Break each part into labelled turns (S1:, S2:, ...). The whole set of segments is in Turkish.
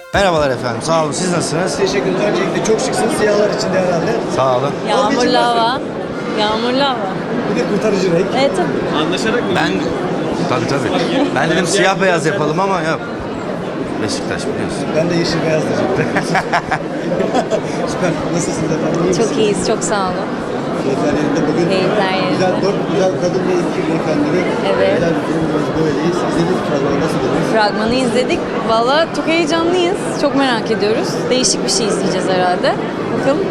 S1: Merhabalar efendim, sağ olun. Siz nasılsınız?
S2: Teşekkür ederim. Öncelikle çok şıksınız. Siyahlar içinde herhalde.
S1: Sağ olun.
S3: Yağmurlu hava. Yağmurlu hava.
S2: Bir de kurtarıcı renk.
S3: Evet tabii.
S4: Anlaşarak mı?
S1: Tabii. Ben dedim siyah beyaz yapalım ama yok. Beşiktaş biliyorsun.
S2: Ben de yeşil beyaz diyecektim. Süper. Nasılsınız efendim? İyi
S3: Çok
S2: misiniz?
S3: iyiyiz, çok sağ olun.
S2: Keyifler yerinde bugün.
S3: Keyifler yerinde.
S2: Güzel, 4 güzel kadın ve 2 beyefendili.
S3: Evet.
S2: Güzel bir filmimiz böyleyiz. İzlediniz fragmanı nasıl buldunuz?
S3: Fragmanı izledik. Valla çok heyecanlıyız. Çok merak ediyoruz. Değişik bir şey izleyeceğiz herhalde. Bakalım.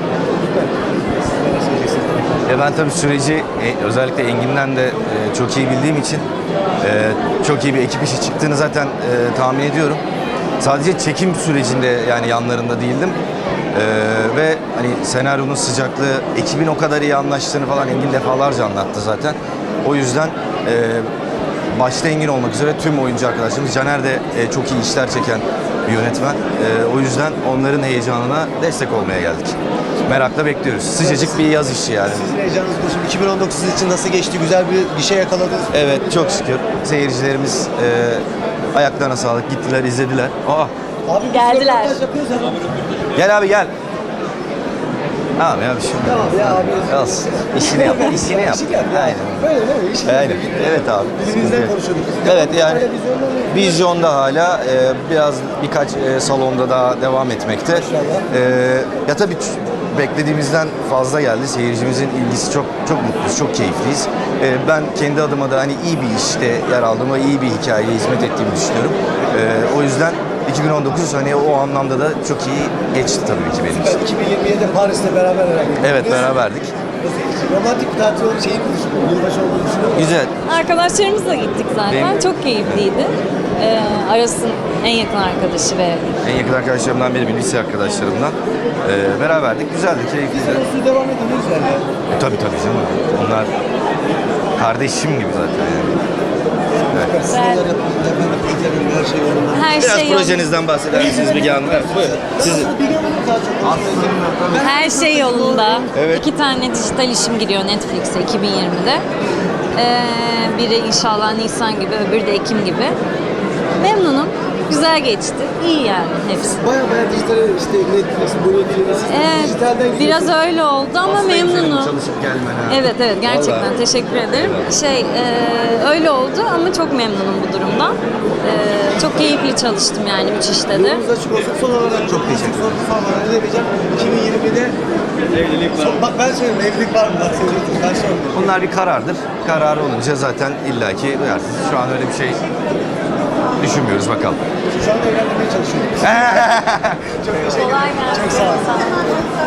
S2: Neler söyleyeceksiniz?
S1: Ben tabii süreci özellikle Engin'den de çok iyi bildiğim için çok iyi bir ekip işi çıktığını zaten tahmin ediyorum. Sadece çekim sürecinde yani yanlarında değildim. Ve hani senaryonun sıcaklığı, ekibin o kadar iyi anlaştığını falan Engin defalarca anlattı zaten. O yüzden başta Engin olmak üzere tüm oyuncu arkadaşlarımız, Caner de çok iyi işler çeken bir yönetmen. O yüzden onların heyecanına destek olmaya geldik. Merakla bekliyoruz. Sıcacık bir yaz işi yani.
S2: Sizin heyecanınız bu. Şimdi 2019 sizin için nasıl geçti? Güzel bir şey yakaladınız.
S1: Evet, çok şükür. Seyircilerimiz ayaklarına sağlık, gittiler, izlediler.
S2: Abi biz
S3: Geldiler.
S2: röportaj yapıyoruz ama.
S1: Gel abi gel. Tamam ya bir şey.
S2: Tamam ya abi.
S1: Olsun. İşini yap, işini yap.
S2: İşini yap ya.
S1: Aynen.
S2: Böyle değil mi? İşini
S1: Aynen.
S2: yap.
S1: Evet abi.
S2: Birbirimizden konuşuyorduk.
S1: Evet yani
S2: Hala vizyonda mı?
S1: vizyonda hala biraz birkaç salonda daha devam etmekte. Ya tabii beklediğimizden fazla geldi. Seyircimizin ilgisi çok mutluyuz, çok keyifliyiz. Ben kendi adıma da hani iyi bir işte yer aldığımı, iyi bir hikayeye hizmet ettiğimi düşünüyorum. O yüzden 2019 hani o anlamda da çok iyi geçti tabii ki benim için.
S2: 2027'de Paris'te beraber herhalde.
S1: Evet, beraberdik.
S2: Romantik bir tatil şeyi konuşuyor. Yılbaşı olduğunu düşünüyor musun?
S1: Güzel.
S3: Arkadaşlarımızla gittik zaten.
S1: Benim-
S3: Çok keyifliydi. Aras'ın en yakın arkadaşı ve
S1: En yakın arkadaşlarımdan biri, bir lise arkadaşlarımdan. Beraberdik. Güzeldi, keyifliydi.
S2: Siz devam edin ne güzel ya.
S1: Tabii canım. Onlar kardeşim gibi zaten yani.
S2: Siz neler yapıyorsunuz efendim? Projenin her şey yolunda.
S3: her
S1: Biraz
S3: şey yolunda.
S1: projenizden bahseder misiniz Müge Hanım? Evet, buyurun. Sizin.
S2: Biliyor musunuz daha çok?
S3: Her şey yolunda.
S1: Evet.
S3: 2 tane dijital işim giriyor Netflix'e 2020'de. Biri inşallah Nisan gibi, öbürü de Ekim gibi. Memnunum. Güzel geçti. İyi yani hepsi.
S2: Baya dijital işte Netflix, Netflix. Dijitalden
S3: Biraz öyle oldu ama memnunum.
S1: Çalışıp gelmen ha.
S3: Evet gerçekten
S1: Vallahi.
S3: teşekkür ederim. Öyle oldu ama çok memnunum bu durumdan. Çok keyifli çalıştım yani 3 işte de.
S2: Yolunuz açık olsun. Son olarak çok teşekkür ederim. Son olarak ne diyeceğim? 2020'de
S4: Evlilik var.
S2: Bak ben söyleyeyim evlilik var mı? Bak söylüyorsun. Ben sormuyorum.
S1: Bunlar bir karardır. Kararı olunca zaten illaki duyarsınız. Şu an öyle bir şey düşünmüyoruz bakalım.
S2: Şu anda evlenmeye çalışıyorum. Çok teşekkür ederim.
S3: Kolay gelsin.
S2: Çok sağ olun.